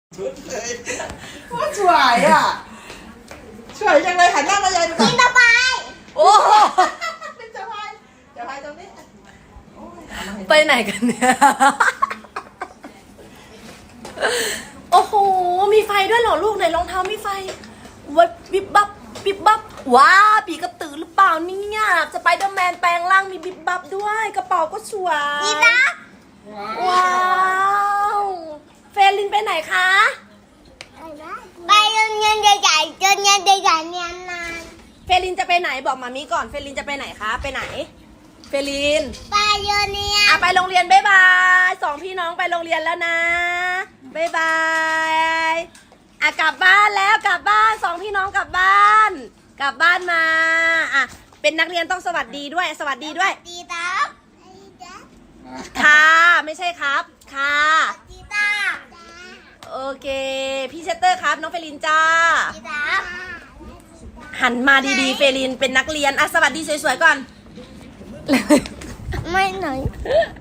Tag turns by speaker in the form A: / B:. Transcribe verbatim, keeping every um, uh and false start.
A: ชุดเลยว่าสวยอ่ะสวยจังเลยหันหน้ามายายดูก่อน
B: สบาย
C: โอ้โห
A: เป็นสบายสบายตรงนี้โอ้ยเอามาให้
C: ไปไหนกันเนี่ย โอ้โห มีไฟด้วยเหรอลูกไหนรองเท้ามีไฟวัดบิบบับบิบบับว้าปีกระตือหรือเปล่าเนี่ยสไปเดอร์แมนแปลงร่างมีบิบบับด้วยกระเป๋าก็สวย
B: ดีนะ
C: ว้าวเฟรลินไปไหนคะ
B: ไปโรงเรียนใหญ่ๆโรงเรียนใหญ่ๆเรียนนาน
C: เฟรลินจะไปไหนบอกมามีก่อนเฟรลินจะไปไหนคะไปไหนเฟรลิน
B: ไปโรงเรียน
C: อ่ะไปโรงเรียนบ๊ายบายสองพี่น้องไปโรงเรียนแล้วนะบ๊ายบายอ่ะกลับบ้านแล้วกลับบ้านสองพี่น้องกลับบ้าน กลับบ้านมาอ่ะเป็นนักเรียนต้องสวัสดีด้วยสวัสดีด้วย
B: ดีนะดีนะ
C: ค่ะไม่ใช่ครับค่ะ
B: ดีนะ
C: โอเคพี่เชสเตอร์ครับน้องเฟรลินจ้า
B: ดีนะ
C: หันมาดีๆเฟรลินเป็นนักเรียนอ่ะสวัสดีสวยๆก่อน
B: ไม่หน่อย